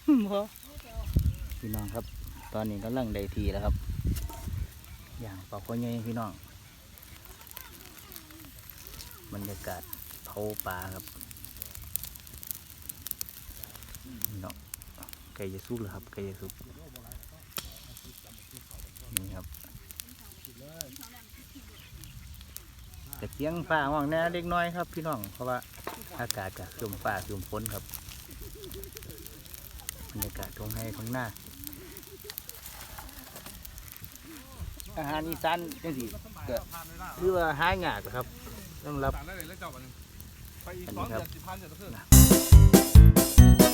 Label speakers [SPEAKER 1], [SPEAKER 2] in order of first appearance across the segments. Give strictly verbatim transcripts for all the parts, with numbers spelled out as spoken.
[SPEAKER 1] พี่น้องครับตอนนี้กำลังได้ทีแล้วครับอย่างปลาข้อใหญ่พี่น้องบรรยากาศเผาปลาครับพี่น้องไก่จะสุกเลยครับไก่จะสุกนี่ครับแต่เสียงฟ้าห้องแน่เล็กน้อยครับพี่น้องเพราะว่าอากาศกับลมฟ้าลมฝนครับบรรยากาศตรงให้ตรงหน้าอาหารอีสานจังสิก็หรือว่าหายากครับต้องรับอันนี้ครับ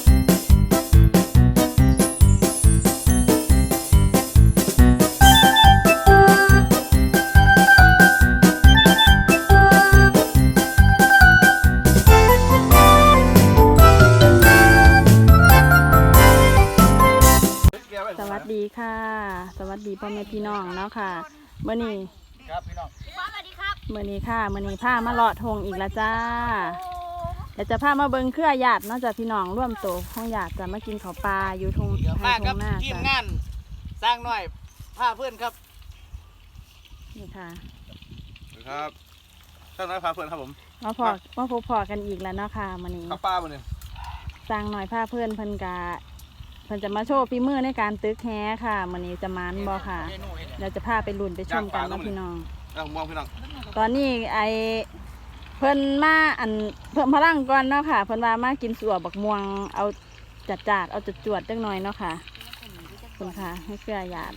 [SPEAKER 2] สวัสดีค่ะสวัสดีพ่อแม่พี่น้องเนาะค่ะเมื่อนี้
[SPEAKER 1] ครับพี่น้อง
[SPEAKER 2] สวัสดีครับเมื่อนี้ค่ะเมื่อนี้ผ้ามาเลาะทงอีกแล้วจ้าเดี๋ยวจะพามาเบิ้งเครือญาติเนาะจ้ะพี่น้องร่วมโตของญาติจะมากินข้าวปลาอยู่ทงทางทงหน้าจ้ะทีม
[SPEAKER 1] งานสร้างหน่อยผ้าเพื่อนครับ
[SPEAKER 2] นี่ค่ะ
[SPEAKER 3] ครับสร้างน้อยพาเพื่อนครับผม
[SPEAKER 2] มาพอมาพบพอกันอีกแล้วเนาะค่ะมื่อนี้
[SPEAKER 3] ข้าวปลาบ่เนี่ย
[SPEAKER 2] สร้างหน่อยผ้าเพื่อนเพิ่นกาเพิ่นจะมาโชว์ฝีมือในการตึกแฮค่ะมื่อนี้จะมันบ่ค่ะเราจะพาไปลุ้นไปชมกันนะพี่น้อง
[SPEAKER 3] มองพี่น้อง
[SPEAKER 2] ตอนนี้ไอเพิ่นมาอันเพิ่มพลังก่อนเนาะค่ะเพิ่นว่ามากินสัวบักม่วงเอาจัดจาดเอาจัดจวดจังหน่อยเนาะค่ะคุณค่ะให้เสื้อหยาด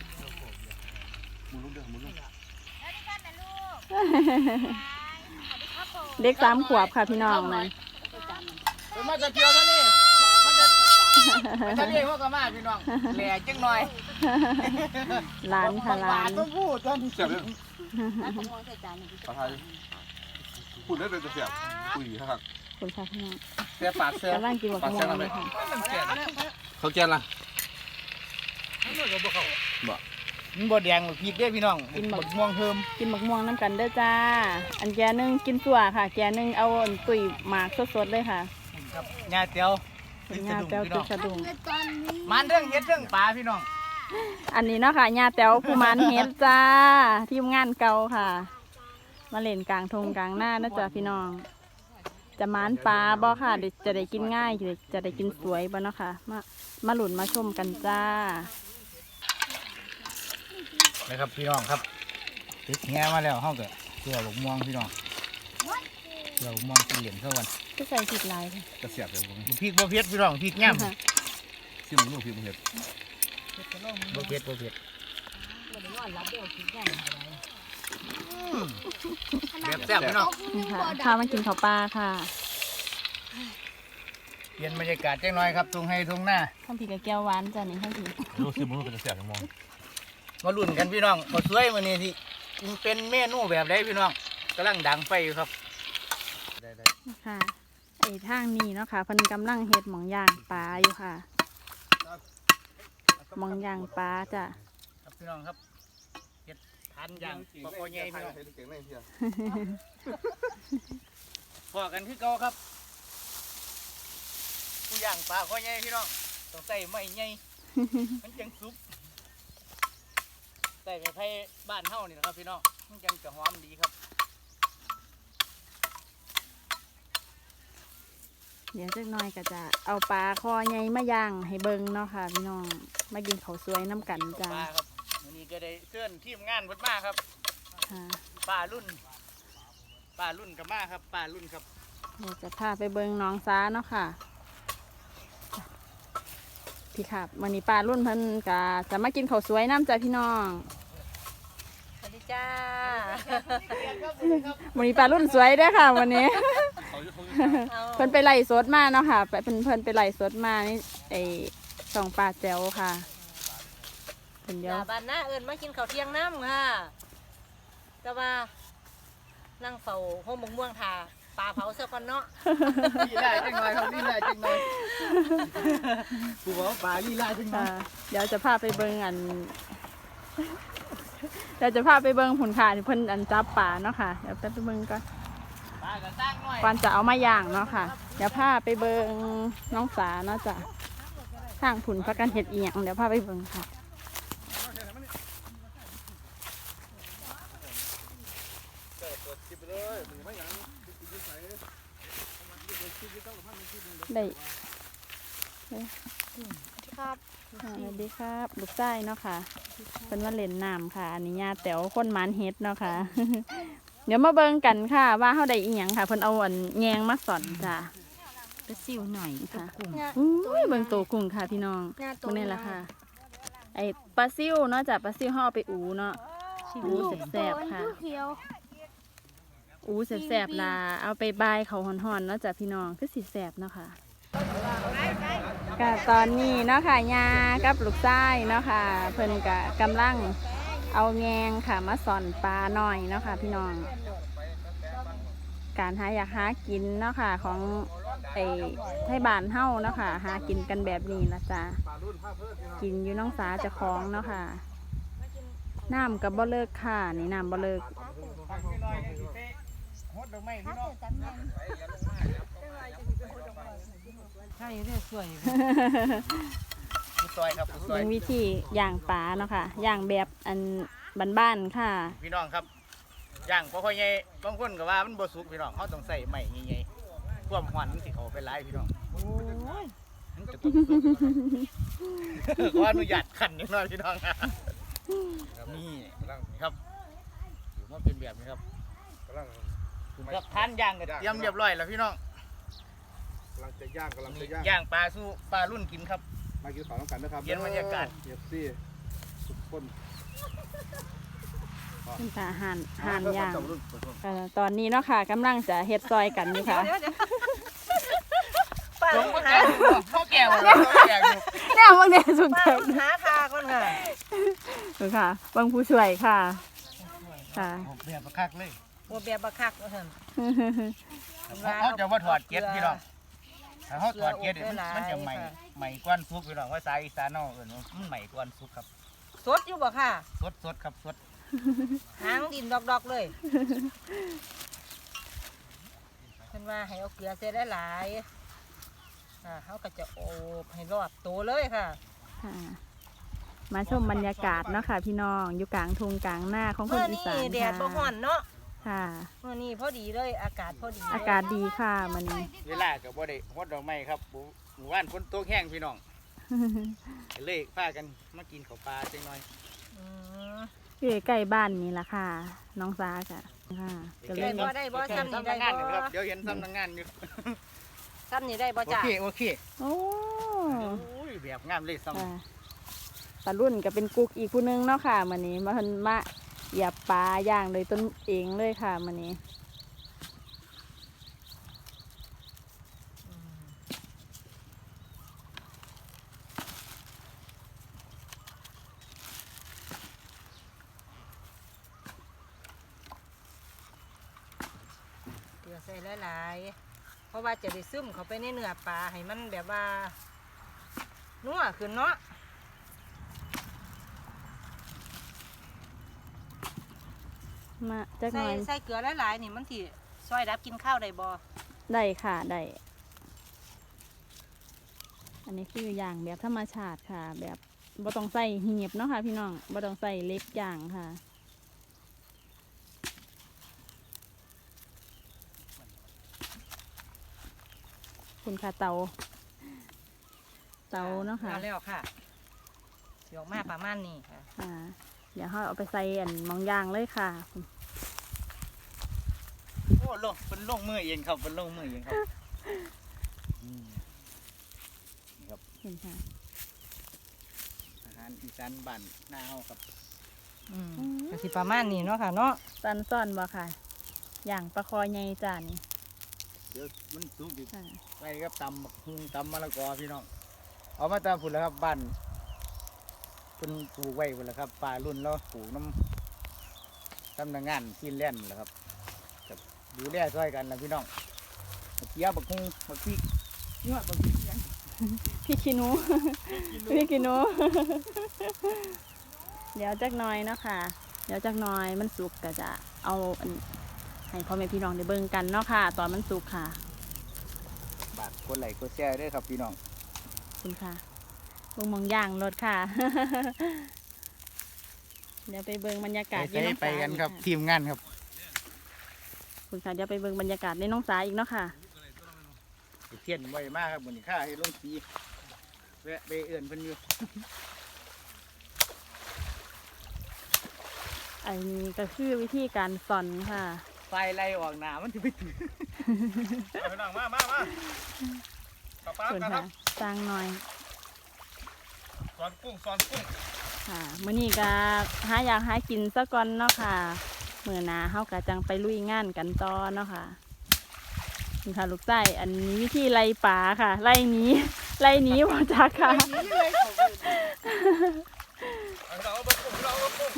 [SPEAKER 2] เด็กสามขวบค่ะพี่น้องเลย
[SPEAKER 1] มาจะเที่ยวท่านี่มาจะท่านี่พวกกันมาพี่น้องแหล่จังหน่อย
[SPEAKER 2] ร้านค่ะร้าน
[SPEAKER 3] ต้องพูดตอนเสียบเลยปลาไทยพูดได้เลยจะเสียบคุยครับ
[SPEAKER 2] คุณค่ะพี่น้อง
[SPEAKER 1] เสียบปากเสียบ
[SPEAKER 2] กำลังกินบักม่วงเลยค่ะ
[SPEAKER 3] เขาแกนล่ะ
[SPEAKER 1] บ่มันบ่แดงหรอกพีกเด้พี่น้องกินบักม่วงเพิ่ม
[SPEAKER 2] กินบักม่วงน้ำกันเด้อจ้าอันแกนึงกินสัวค่ะแกนึงเอาตุ๋ยหมากสดๆเลยค่ะ
[SPEAKER 1] ครับญาติเตียว
[SPEAKER 2] ญาติเตียวตึกสะดุ้ง
[SPEAKER 1] มันเรื่องเฮ็ดเรื่องปลาพี่น้อง
[SPEAKER 2] อันนี้เนาะค่ะญาติเตียวผู้มันเฮ็ดจ้าทีมงานเก่าค่ะมาเล่นกลางทงกลางหน้านะจ๊ะพี่น้องจะมันปลาบ่ค่ะจะได้กินง่ายจะได้กินสวยบ่เนาะค่ะมามาหลุนมาชมกันจ้า
[SPEAKER 1] นะครับพี่น้องครับติดแง่มาแล้วห้องเกิดเสือบักม่วงพี่น้องเสือบักม่วงกินเหรียญเท่ากัน
[SPEAKER 2] ก็ใส่ผิดลาย
[SPEAKER 3] กระเสียบเลย
[SPEAKER 1] พริกบ่เผ็ดพี่น้องพริกแง่ม
[SPEAKER 3] ชิมลูกพริกบ่เผ็ด
[SPEAKER 1] บ่เผ็ดบ่เผ็ดแบบแซ่บพี่น้อง
[SPEAKER 2] พามากินข้าวปลาค่ะ
[SPEAKER 1] เปลี่ยนบรรยากาศจังหน่อยครับทุ่งให้ทุ่งหน้า
[SPEAKER 2] ข้าวผีกับแก้วหวานจ้ะนี่ข้าวผี
[SPEAKER 3] ลูกชิมลูกกระเสียบจังมอง
[SPEAKER 1] มาลุ้นกันพี่น้องมาสวยมื้อนี้ที่เป็นเมนูแบบใดพี่น้องกำลังดังไฟอยู่ครับ
[SPEAKER 2] ได้ๆค่ะไอ้ทางนี้เนาะค่ะเพิ่นกำลังเฮ็ดหม่องย่างปลาอยู่ค่ะหม่องย่างปลาจ้ะ
[SPEAKER 1] ครับพี่น้องครับเฮ็ดทานย่างปลาโอใหญ่พี่น้องพอกันคือเก่าครับผู้ย่างปลาโอใหญ่พี่น้องต้องใส่ไม้ใหญ่มันจังสุกใส่ไม้ไผ่บ้านเฮานี่นะครับพี่น้องมันจังจะหอมดีครับ
[SPEAKER 2] เดี๋ยวจักหน่อยก็จะเอาปลาคอใหญ่มาย่างให้เบิ่งเนาะค่ะพี่น้องมากินข้าวสวยน้ำกันจ้า
[SPEAKER 1] ปลาครับวันนี้ก็ได้เชิญทีมงานเพิ่นมาครับปลารุ่นปลารุ่นกับมาครับปลารุ่นครับ
[SPEAKER 2] เดี๋ยวจะพาไปเบิ่งน้องซ้าเนาะค่ะพี่ครับวันนี้ปลารุ่นเพิ่นก็จะมากินข้าวสวยน้ำจ้าพี่น้อง
[SPEAKER 4] สวัสดีจ้า
[SPEAKER 2] วันนี้ปลารุ่นสวยด้วยค่ะวันนี้เพิ่นไปไล่สดมาเนาะค่ะไปเพิ่นเพิ่นไปไล่สดมานี่ไอสองปลาแจ๋วค่ะ
[SPEAKER 4] เป็นเดียวบ้านน้าเอิญมากินข้าวเที่ยงน้ำค่ะแต่ว่านั่งเฝ้าห้องมงม่วงทาปลาเผาเสื้อกันเนาะ
[SPEAKER 1] ลีลาจังหน่อยครับลีลาจังหน่อยผู้บอกปลาลีลาจังหน่อย
[SPEAKER 2] เดี๋ยวจะพาไปเบิ่งอันเดี๋ยวจะพาไปเบิ่งผลขาเพิ่นอันจับปลาเนาะค่ะเดี๋ยวไปเบิ่งก่อนก่อนจะเอามาย่างเนาะค่ะเดี๋ยวพาไปเบิ่งน้องสาเนาะจ้ะทางผุนพักกันเห็ดอีหยังเดี๋ยวพาไปเบิ่งค่ะได้ได้ครับสวัสดีครับลูกไส้เนาะค่ะเป็นว่าเล่นน้ำค่ะอันนี้ญาแต๋วคนหมันเฮ็ดเนาะค่ะ เดี๋ยวมาเบิ่งกันค่ะว่าเขาได้อีหยังค่ะเพิ่นเอาอันแยงมาสอนจ้ะ
[SPEAKER 4] ไปซิวหน่อย
[SPEAKER 2] ค่ะอุ้ยเบิ่งโตกุ้งค่ะพี่น้องพวกนี้แหละค่ะ ไอปลาซิวเนาะจ้ะปลาซิวห่อไปอูเนาะอูแซ่บๆค่ะอูแซ่บๆลาเอาไปบายเขาห่อนๆเนาะจ้ะพี่น้องคือสิแซ่บเนาะค่ะก็ตอนนี้เนาะค่ะยากับลูกไส้เนาะค่ะเพิ่นก็กำลังเอาแงงค่ะมาสอนปลาหน่อยเนาะค่ะพี่น้องการหาอยากหากินเนาะค่ะของไอ้ไทยบ้านเฮาเนาะค่ะหากินกันแบบนี้นะจ๊ะกินอยู่น้องสาเจะคล้าของเนาะค่ะน้ำกับบ่เลิกค่ะนี่น้ำบ่เลิก
[SPEAKER 4] ใช่เรื่อยสวย
[SPEAKER 1] ผู้ซอยครับผู้ซอย
[SPEAKER 2] เป็นวิธีย่างปลาเนาะค่ะย่างแบบอันบ้านๆค่ะ
[SPEAKER 1] พี่น้องครับย่างบ่ค่อยใหญ่บางคนก็ว่ามันบ่สุกพี่น้องเขาต้องใส่ไม้ใหญ่ๆความหวานมันสิเข้าไปหลายพี่น้อง
[SPEAKER 4] โอ้ย
[SPEAKER 1] มันจะต้องสุก ขออนุญาตขันนิดหน่อยพี่น้องนี่ครับถือว่าเป็นแบบนี้ครับ
[SPEAKER 3] กำลัง
[SPEAKER 1] ครับทานย่างก็เตรียมเรียบร้อยแล้วพี่น้อง
[SPEAKER 3] กำลังจะย่างกำลังจะ
[SPEAKER 1] นี่
[SPEAKER 3] ย่าง
[SPEAKER 1] ย่างปลาสู้ปลารุ่นกินครับ
[SPEAKER 3] มากินข้าวน้ำกันนะครับ
[SPEAKER 1] เย็นบรรยากาศ
[SPEAKER 3] เอฟซีทุกคน
[SPEAKER 2] เป็นตาห่านห่านย่างเอ่อตอนนี้เนาะค่ะกำลังจะเฮ็ดซอยกันอยู่ค่ะ
[SPEAKER 4] ป้า
[SPEAKER 1] ผม
[SPEAKER 4] หา
[SPEAKER 1] พ่อแก่หมดแล้วพ่อแก่อยู่
[SPEAKER 2] แน่บางเดียสุด
[SPEAKER 4] ป้า
[SPEAKER 2] ท้าย
[SPEAKER 4] หาทาก่อนค่ะ
[SPEAKER 2] ดูค่ะบางผู้ช่วยค่ะค่ะ
[SPEAKER 1] ผมเบียบประคักเลย
[SPEAKER 4] บัวเบียบบักคักว่าซั่น
[SPEAKER 1] เขาจะว่าถอดเกล็ดพี่น้องถ้าเขาถอดเกล็ดเนี่ยมันมันจะใหม่ใหม่กวนซุกพี่น้องว่าสายอีสานเนาะเอิ้นว่ามันใหม่กวนซุกครับ
[SPEAKER 4] สดอยู่บ่ค่ะ
[SPEAKER 1] สดสดครับสด
[SPEAKER 4] หางดินดอกๆเลยเพิ่นว่าให้เอาเกลือใส่ได้หลายๆอ่าเขาก็จะโอบให้รอบโตเลยค่ะ
[SPEAKER 2] ค่ะ มาชมบรรยากาศเนาะค่ะ พี่น้องอยู่กลางทุ่งกลางหน้าของคน
[SPEAKER 4] เมื่อ
[SPEAKER 2] อี
[SPEAKER 4] นี้
[SPEAKER 2] สาน
[SPEAKER 4] แดดบ่ฮ้อนเนาะ
[SPEAKER 2] ค่ะ
[SPEAKER 4] เมื่อนี้พอดีเลยอากาศพอดีเลย
[SPEAKER 2] อากาศดีค่ะมันนี้
[SPEAKER 1] เวลากับบ่ได้ฮดดอกไม้ครับหมู่บ้านฝนตกแห้งพี่น้องเลยพากันมากินข้าวปลาจังหน่อย
[SPEAKER 4] อืม
[SPEAKER 2] อยู่ใกล้บ้านนี่ละค่ะ น้องซาค่ะค่ะก็เล
[SPEAKER 4] ได้
[SPEAKER 2] ย
[SPEAKER 4] บ่ได้บ่ซ้ำนี่ได้
[SPEAKER 1] งาน
[SPEAKER 4] บ่
[SPEAKER 1] ครับเดี๋ยวเห็นซ้ำทำงานอยู่
[SPEAKER 4] ซ้ำนี่ได้บ่
[SPEAKER 1] โอ
[SPEAKER 4] จ้ะ
[SPEAKER 1] เคโอเค
[SPEAKER 2] โอ้
[SPEAKER 1] โอ้ยแบบงามเลยซ้ำ
[SPEAKER 2] ค่ะปลารุ่นก็เป็นกุ๊กอีกผู้นึงเนาะค่ะมันนี้มาเพิ่นมาเหยียบปลาย่างเลยต้นเองเลยค่ะมันนี้
[SPEAKER 4] อืมเกลือใส่หลายๆเพราะว่าจะได้ซึมเข้าไปในเนื้อปลาให้มันแบบว่านัวขึ้นเนาะ
[SPEAKER 2] มาจักห
[SPEAKER 4] ใส่
[SPEAKER 2] น่อย
[SPEAKER 4] ใส่เกลือหลายๆนี่มันสิซอยดับกินข้าวได้บ่
[SPEAKER 2] ได้ค่ะได้อันนี้คืออย่างแบบธรรมชาติค่ะ แบบบ่ต้องใส่เหียบเนาะค่ะพี่น้องบ่ต้องใส่เล็กอย่างค่ะคุณค่ะเตาเตาเนาะค่ะ
[SPEAKER 4] มาแล้วค่ะเดี๋ยวมาประมาณนี้ค่ะ
[SPEAKER 2] อ่าเดี๋ยวเราเอาไปใส่อันหมองยางเลยค่ะ
[SPEAKER 1] โอ้ลงเป็นลงมือเองครับเป็นลงมือเองครับอืมนี่ครับ
[SPEAKER 2] เห็นค่ะ
[SPEAKER 1] อาหารอีสานบ้านหน้าเฮาครับ
[SPEAKER 4] อืมก็สิประมาณนี้เนาะค่ะเนาะ
[SPEAKER 2] ตันซ่อนบ่ค่ะ อย่างปลาคอใหญ่จานนี่
[SPEAKER 1] เดี๋ยวมันสุกอีก
[SPEAKER 2] ค่ะ
[SPEAKER 1] ไปครับตำบักหุ่งตำมะละกอพี่น้องเอามาตามฝุ่นแล้วครับบ้านเป็นปลูกไว้ฝุ่นแล้วครับป่ารุ่นแล้วปลูกน้ำทำงานที่เล่นแหละครับกับดูแลช่วยกันนะพี่น้องบักเกี๊ยวบักหุ่งบักพริกยอดบักพริกยัง
[SPEAKER 2] พี่ขี้หนู พี่ขี้หนู เดี๋ยวจักหน่อยเนาะค่ะ เดี๋ยวจักหน่อยมันสุกก็จะเอาอันให้พ่อแม่พี่น้องได้เบิ่งกันเนาะค่ะ ตอนมันสุกค่ะ
[SPEAKER 1] บาทคนไหลก็แช่ด้วยครับพี่น้อง
[SPEAKER 2] ขอบคุณค่ะบิ่งหมองย่างรถค่ะ เดี๋ยวไปเบิ่งบรรยากาศ
[SPEAKER 1] ไป
[SPEAKER 2] อยู่น้อง
[SPEAKER 1] ไป
[SPEAKER 2] สา
[SPEAKER 1] กันครับ
[SPEAKER 2] อีก
[SPEAKER 1] ทีมงานครับ
[SPEAKER 2] คุณค่ะเดี๋ยวไปเบิ่งบรรยากาศในน้องสาอีกเนาะค่ะ
[SPEAKER 1] เทียนไวมากครับวันนี้ข้าให้ลงสีแวะไปเอื่นเพิ่นอยู่
[SPEAKER 2] อันนี้ก็คือวิธีการสอนค่ะ
[SPEAKER 1] ไฟไล่ออกหนามันจะไปถึง
[SPEAKER 3] ไปนั่งมามามาขับปลา
[SPEAKER 2] ส่วน
[SPEAKER 3] กันครั
[SPEAKER 2] ค่ะ
[SPEAKER 3] บ
[SPEAKER 2] สร้างหน่อย
[SPEAKER 3] สอนกุ้งสอนกุ้ง
[SPEAKER 2] ค่ะมื้อนี้ก็หาอยากหากินซะก่อนเนาะค่ะมื้อหน้าเฮาก็จังไปลุยงานกันต่อเนาะค่ะนี่ค่ะลูกไส้อันนี้วิธีไล่ปลาค่ะ ไล่หนีไล่หนีบ่จักค่ะ
[SPEAKER 3] เอาเราเอากุ้งเราเอากุ้ง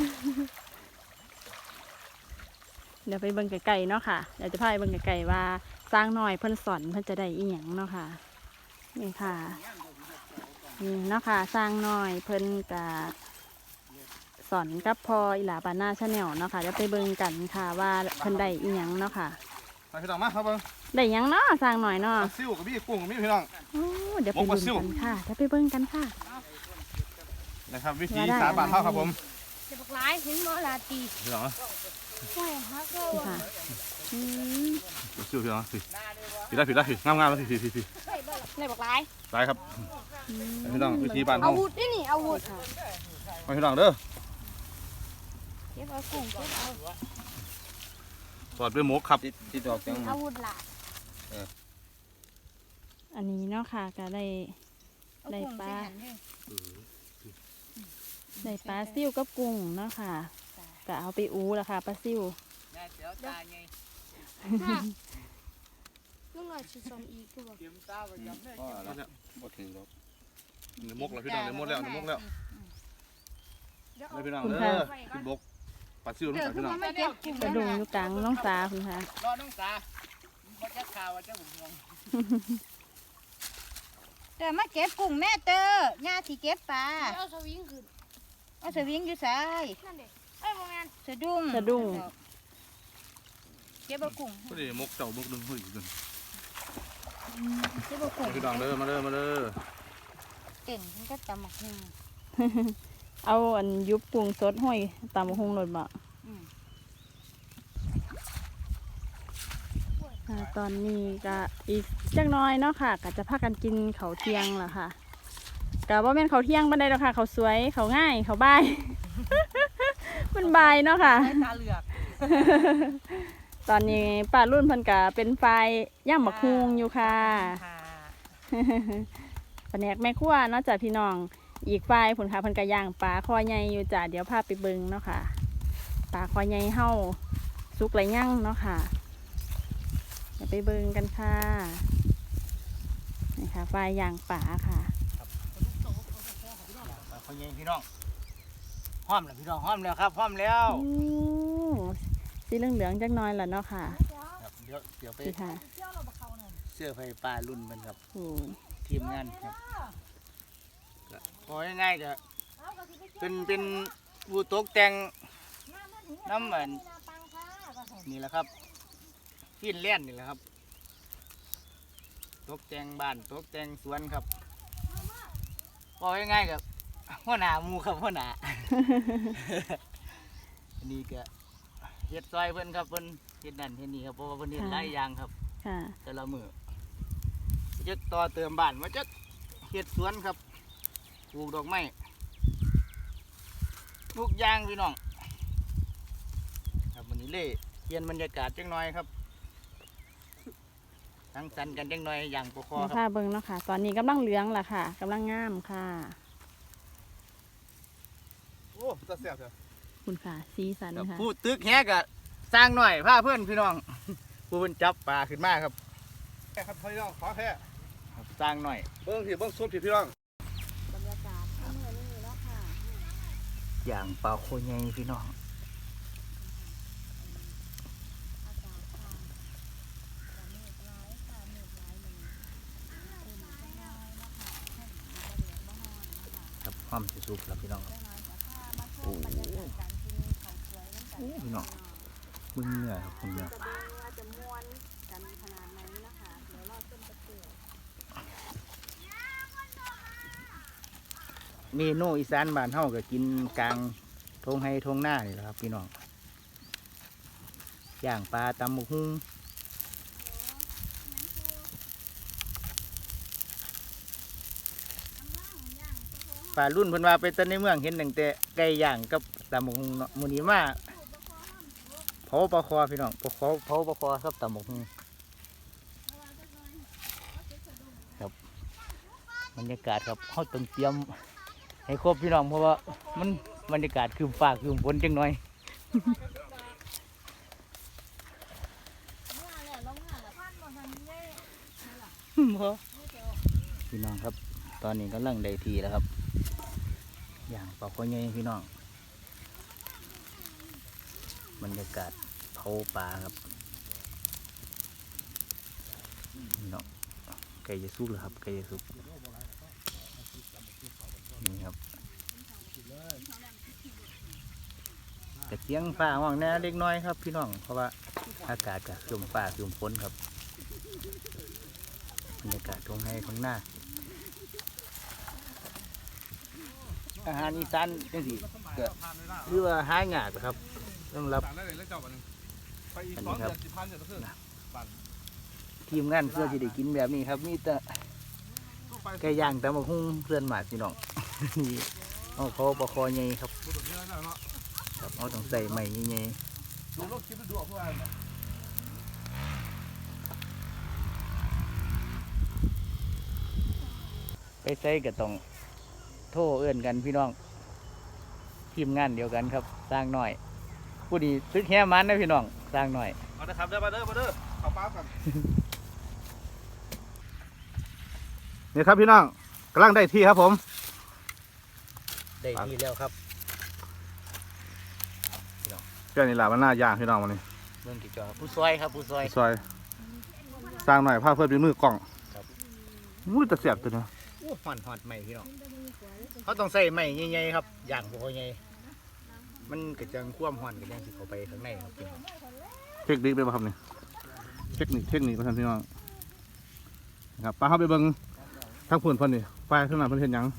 [SPEAKER 2] เดี๋ยวไปเบิ่งไก่ๆเนาะค่ะเดี๋ยวจะพาไปเบิ่งไก่ๆว่าสร้างหน่อยเพิ่นสอนเพิ่นจะได้อีหยังเนาะค่ะนี่ค่ะนี่เนาะค่ะสร้างหน่อยเพิ่นกะสอนกับพออีหลาบาน่าชาแนลเนาะค่ะเดี๋ยวไปเบิ่งกันค่ะว่าเพิ่นได้อีหยังเนาะค่ะ
[SPEAKER 3] มาพี่น้องมาครับเบิ้ง
[SPEAKER 2] ได้หยังเนาะสร้างหน่อยเนาะ
[SPEAKER 3] ซิ่วกับพี่กุ้งกับพี่พี่น้อง
[SPEAKER 2] โอ้เดี๋ยวไปเบิ่งกันค่ะเดี๋ยวไปเบิ่งกันค่ะ
[SPEAKER 3] นะครับวิธี
[SPEAKER 2] ว่าได้
[SPEAKER 3] สาบานเท่าครับผม
[SPEAKER 4] เจ็บหลายเห็นหมอลาตี
[SPEAKER 3] พี่น้อง
[SPEAKER 4] ห้วยฮักก็
[SPEAKER 2] นี่ค่ะอืม
[SPEAKER 3] ซิ่วพี่น้องพี่พี่ได้พี่ได้พี่งามงามพี่พี่พี่พี่
[SPEAKER 4] ในบักหลาย
[SPEAKER 3] ไปครับพี่น้องวิธีบาน
[SPEAKER 4] อา
[SPEAKER 3] เท่า
[SPEAKER 4] วุธนี่นี่อาวุธ
[SPEAKER 3] มาพี่น้องเด้อ
[SPEAKER 4] เก็บเอากุ้งเก็บเอา
[SPEAKER 3] สอดด้วยหมกครับ
[SPEAKER 1] ติดดอกจัง
[SPEAKER 4] อาวุธหลาย
[SPEAKER 2] อันนี้เนาะค่ะก็ได้
[SPEAKER 4] เอ
[SPEAKER 2] ได้
[SPEAKER 4] กุ้ง
[SPEAKER 2] ปลา
[SPEAKER 4] ใส่หั่นเด้อ
[SPEAKER 2] ได้ปลาซิ่วกับกุ้งเนาะค่ะก็เอาไปอูแล้วค่ะปลาซิ่ว
[SPEAKER 1] เดี๋ยวตาไง
[SPEAKER 4] ลุงหน่อยสิสอนอีกคือบ่
[SPEAKER 1] เตรียมตาไปจำได้
[SPEAKER 3] บ่ถึงดอกเนื้อมกแล้วพี่น้องเนื้อมกแล้วเนื้อมกแล้วเลยพี่น้องเด้อพี่บกปลาซิ่วน้องพี่น้อง
[SPEAKER 4] ไม่เก็บกุ้ง
[SPEAKER 2] กระดุงอยู่กลางน้องสาคุณค่ะ
[SPEAKER 1] รอน้องสาว่าจะข่าวว่าจะบุญวง
[SPEAKER 5] เตอมาเก็บกุ้งแม่เตอย่าสิเก็บปลา
[SPEAKER 4] เอาสวิงขึ้น
[SPEAKER 5] เอาสวิงอยู่ไส
[SPEAKER 4] นั่นเด้เอ้ยบ่แม่น
[SPEAKER 5] สะดุ้ง
[SPEAKER 2] สะดุ้ง
[SPEAKER 5] เก็บเอากุ้ง
[SPEAKER 3] ก็ได้มกเจ้ามกดึงหุ่ยกัน
[SPEAKER 5] เก็บเอากุ้ง
[SPEAKER 3] พี่น้องเด้อมาเด้อมาเด้อ
[SPEAKER 5] เก่งมันก็ตำหมักหุ่ง
[SPEAKER 2] เอาอันยุบกุ้งสดห้อยตามหงรถบ่
[SPEAKER 5] อืม
[SPEAKER 2] อ่าตอนนี้ก็อีกจักหน้อยเนาะค่ะก็จะพากันกินข้าวเที่ยงล่ะค่ะก็บ่แม่นข้าวเที่ยงบันไดหรอกค่ะข้าวสวยข้าวง่ายข้าวบ่าย มันบ่ายเนาะค่ะ
[SPEAKER 4] ตาเหลือก
[SPEAKER 2] ตอนนี้ป้ารุ่นเพิ่นก็เป็นไฟย่างบักฮุงอยู่ค่ะ
[SPEAKER 4] ค่ะ
[SPEAKER 2] แผนกแม่ครัวเนาะจ้ะพี่น้องอีกฝ่ายผลค่ะเพิ่นก็ย่างปลาคอใหญ่อยู่จ้ะเดี๋ยวพาไปเบิ่งเนาะค่ะปลาคอใหญ่เฮาสุกไรย่างเนาะค่ะเดี๋ยวไปเบิ่งกันค่ะนี่ค่ะฝ่ายย่างปลาค่ะ
[SPEAKER 1] เขาเย็นพี่น้องห้อมแล้วพี่น้องห้อมแล้วครับห้อมแล้ว
[SPEAKER 2] โอ้สีเหลืองๆจักหน้อยล่ะเนาะค่ะ
[SPEAKER 1] ครับเดี๋ยวเดี๋ยวไป
[SPEAKER 2] นี่ค่ะ
[SPEAKER 1] เสื้อไฟปลารุ่นมันครับ
[SPEAKER 2] โอ้
[SPEAKER 1] ทีมงานครับก็พอง่ายๆก็เป็นเป็นผู้ตกแต่งน้ำเหมือนนี่แหละครับที่เล่นนี่แหละครับตกแต่งบ้านตกแต่งสวนครับพอง่ายๆกับหัวหน้าหมูครับหัวหน้า อันนี้ก็เฮ็ดซอยเพิ่นครับเพิ่นเฮ็ดนั่นเฮ็ดนี่ครับเพราะว่าเพิ่นเฮ็ดหลายอย่างครับ
[SPEAKER 2] ค่ะ
[SPEAKER 1] แต่ละมือจะต่อเติมบ้านมาจะเฮ็ดสวนครับปลูกดอกไม้ทุกอย่างพี่น้องครับวันนี้เล่เปลี่ยนบรรยากาศจังหน่อยครับทั้งสันกันจังหน่อยอย่างปกคอ
[SPEAKER 2] นี่
[SPEAKER 1] ครับ
[SPEAKER 2] ค่ะเบิ่งเนาะค่ะ ตอนนี้กำลังเหลืองล่ะค่ะกำลังงามค่ะ
[SPEAKER 3] โอ้ตาแซ่บเถอะ
[SPEAKER 2] คุณค่ะสีสัน
[SPEAKER 1] ครับ
[SPEAKER 2] ค่ะ
[SPEAKER 1] ผู้ตึกแฮกะสร้างหน่อยพาเพื่อนพี่น้อง ผู้เพิ่นจับปลาขึ้นมาครับ
[SPEAKER 3] แค่ครับพี่น้องขอแค่
[SPEAKER 1] ครับสร้างหน่อย
[SPEAKER 3] เบิ้งพี่เบิ้งซุปพี่พี่น้อง
[SPEAKER 2] บรรยากาศเมื่อนี้เนาะค่ะ
[SPEAKER 1] อย่างปลาโคใหญ่พี่น้องครับความสิสุกแล้วพี่น้องครับโอ้โหพี่น้องมึงเหนื่อยครับผมเหนื่อย
[SPEAKER 2] จะม้วนกันขนาดไหนนะคะเดี๋ยวรอต้นตะเกียบ
[SPEAKER 1] เมนูอีสานบ้านเฮาก็กินกลางทงไห้ทงหน้านี่แหละครับพี่น้องย่างปลาตำบักหุ่งปลารุ่นเพิ่นว่าไปต้นในเมืองเห็นตั้งแต่ไก่ย่างกับตำบักหุ่งเนาะมื้อนี้มาเผาปลาคอพี่น้องเผาเผาปลาคอครับตำบักหุ่งครับบรรยากาศครับเฮาต้องเตรียมให้ครบพี่น้องเพราะว่ามันบรรยากาศคือฟ้าคือฝนจังหน่อย พี่น้องครับตอนนี้กำลังได้ทีแล้วครับอย่างปลาคอใหญ่พี่น้องบรรยากาศเผาปลาครับพี่น้องไก่จะสุกแล้วครับไก่จะสุกนี่ครับกระเจียงฟ้าห้องแน่เล็กน้อยครับพี่น้องเพราะว่าอากาศกับครึมฟ้าครึมฝนครับบรรยากาศตรงให้ข้างหน้าอาหารอีสานจังสิก็หรือว่าหายากครับต้องรับ
[SPEAKER 3] สั่งได้เลยแล้วเจ้าบัดนึงไปอีกสองเดือนสิบพันเดือนละครึ่งปั่น
[SPEAKER 1] ทีมงานเพื่อที่ได้กินแบบนี้ครับมีแต่
[SPEAKER 3] ตู้ไป
[SPEAKER 1] ไก่ย่างแต่มาหุ้งเพื่อนหมาดพี่น้อง นี่เอาเขาปลาคอใหญ่ครับ
[SPEAKER 3] ดูแบบนี้แล้วเนาะ
[SPEAKER 1] ครับเอาต้องใส่ใหม่ใหญ่
[SPEAKER 3] ดูรถคลิปดูเอาเพื่อน
[SPEAKER 1] ๆไปใส่ก็ต้องโทรเอื้อนกันพี่น้องทีมงานเดียวกันครับสร้างหน่อยผู้ดีซึกแค่มันนะพี่น้องสร้างหน่อย
[SPEAKER 3] มาเด้อครับเด้อมาเด้อมาเด้อเอาป้ากันนี่ครับพี่น้องกำลังได้ที่ครับผม
[SPEAKER 1] ได้ที่แล้วครับ
[SPEAKER 3] เจ้านี่หลามันหน้าย่างพี่น้องวันนี้
[SPEAKER 1] เมืองกี่จอผู้ซอยครับผู้ซอย
[SPEAKER 3] ซอยสร้างหน่อยผ้าเพื่อนเป็นมือกล้อง
[SPEAKER 1] ครับ
[SPEAKER 3] มุ้ยตะเสียบตัวเนาะ
[SPEAKER 1] โอ้หอนหอนใหม่พี่น้องเขาต้องใส่ใหม่ใหญ่ๆครับย่างปลาคอใหญ่มันกระจังคว่ำหอนกระจังสิเข้าไปข้างในครับพี่น้อง
[SPEAKER 3] เทคนิคเป็นป่ะครับนี่เทคนิคเทคนิคประธานพี่น้องนะครับป้าเข้าไปเบิ้งทั้งผุนเพิ่นนี่ไปข้างหน้าเพิ่นเห็นหยัง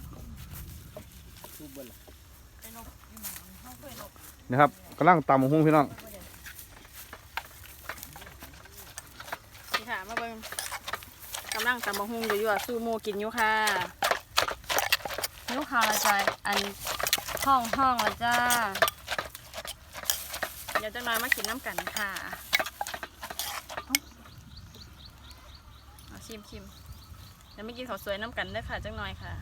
[SPEAKER 3] นะครับกำลังตำหุ้งพี่น้อง
[SPEAKER 2] นี่ค่ะมาเบิ่งกำลังตำบักหุ่งอยู่อยู่สู้หมูกินอยู่ค่ะนิ้วขาวละจ้ะอันห้องห้องละจ้าเดี๋ยวจะน้อยมากินน้ำกันค่ะเอาเอาชิมชิมเดี๋ยวไม่กินข้าวสวยน้ำกันเด้อค่ะจังน้อยค่ะ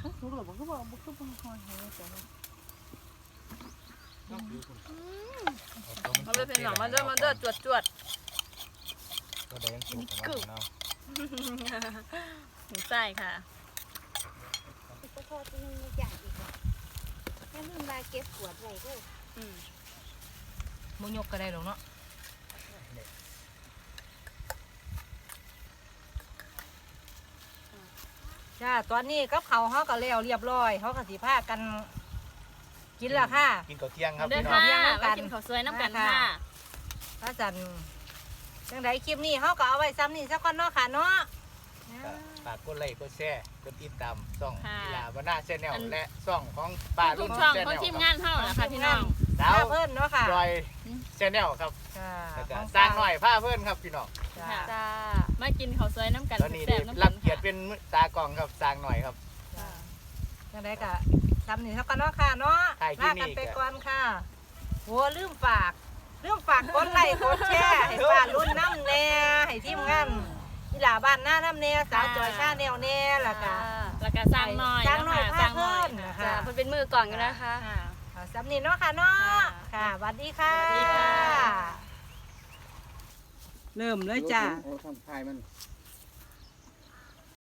[SPEAKER 2] มาเลยเป็นหนองมาเด้อมาเด้อจวดจวด
[SPEAKER 1] ก็ได้ยังสุกของเรา
[SPEAKER 2] หมูไส้ค่ะ
[SPEAKER 5] ก็พอจะนึงอย่างอีกแค่ลืมมาเก็บขวดไว้ด้วย
[SPEAKER 2] อืม
[SPEAKER 4] มุยกก็ได้หรอกเนาะจ้าตอนนี้กับเขาเขาก็แล้วเรียบร้อยเขาก็สิพากันกินและค่ะ
[SPEAKER 1] กินข้าวเที่ยงครับ
[SPEAKER 2] เด้อ
[SPEAKER 1] พี่น้อง
[SPEAKER 2] ค่ะ
[SPEAKER 4] เที่ยงน้ำกัน
[SPEAKER 2] มากินข้าวสวยน้ำกันค่ะ
[SPEAKER 4] พระจันทร์จังไดคลิปนี้เขาก็เอาไว้ซ้ำนี่สักคนเนาะค่ะเนาะ
[SPEAKER 1] ก็ฝากกดไลค์กดแชร์กดติดตามช่อง
[SPEAKER 2] ค่ะ
[SPEAKER 1] กีฬาบรรณาแชนแนล
[SPEAKER 2] อัน
[SPEAKER 1] และช่องของป่า
[SPEAKER 2] ทุ
[SPEAKER 1] รุ่
[SPEAKER 2] ก
[SPEAKER 1] น
[SPEAKER 2] ช่อง
[SPEAKER 1] แชน
[SPEAKER 2] ของ
[SPEAKER 1] แนล
[SPEAKER 2] ทีมงานเท่านะคะพี่น้อง
[SPEAKER 1] ดาว
[SPEAKER 4] ผ้าเพิ่นเนาะค่ะ
[SPEAKER 1] จอยแชนแนลครับ
[SPEAKER 4] ค่ะ
[SPEAKER 1] แล้วก็สร้างหน่อยผ้าเพื่อนครับพี่น้อง
[SPEAKER 4] จ้า
[SPEAKER 2] ค่ะ
[SPEAKER 5] จ้า
[SPEAKER 2] มากินข้าวสวยน้ำกัน
[SPEAKER 1] ตอนนี้
[SPEAKER 2] แซ่
[SPEAKER 1] ได้
[SPEAKER 2] บน้ำกั
[SPEAKER 1] รับ
[SPEAKER 2] น
[SPEAKER 1] เกียรติ
[SPEAKER 2] ค่ะ
[SPEAKER 1] เป็นตากล้องครับสร้างหน่อยครับ
[SPEAKER 4] จ้าจังไดก็ซ้ำนี่สักคนเนาะค่ะเนาะ
[SPEAKER 1] ถ่ายคลิ
[SPEAKER 4] ลา
[SPEAKER 1] ปนี้
[SPEAKER 4] กันไป
[SPEAKER 1] ก็
[SPEAKER 4] ก่อนค่ะโหลืมฝากลืมฝากกดไลค์กดแชร์ให้ป้ารุ่นน้ำแน่ให้ทีมงานนี่หลาบ้านหน้าน้ำแน่สาวจอยชาแนวแน่ล่ะค่ะ
[SPEAKER 2] แล้วก็สร้างหน่อย
[SPEAKER 4] สร้างหน่อย
[SPEAKER 2] ะคะสร้างหน่อย
[SPEAKER 4] พาเพิ่นนะคะ
[SPEAKER 2] จ้ะเพิ่นเป็นมือกล่องอยู่นะคะ
[SPEAKER 4] ค่ะเอาซ้ำนี่เนาะค่ะเนาะ
[SPEAKER 2] ค่ะ
[SPEAKER 4] ค่ะสวัสดีค่ะ
[SPEAKER 2] สวัสดีค่ะ
[SPEAKER 4] เริ่มเลยจ้า
[SPEAKER 1] โอ้ทางท้ายมัน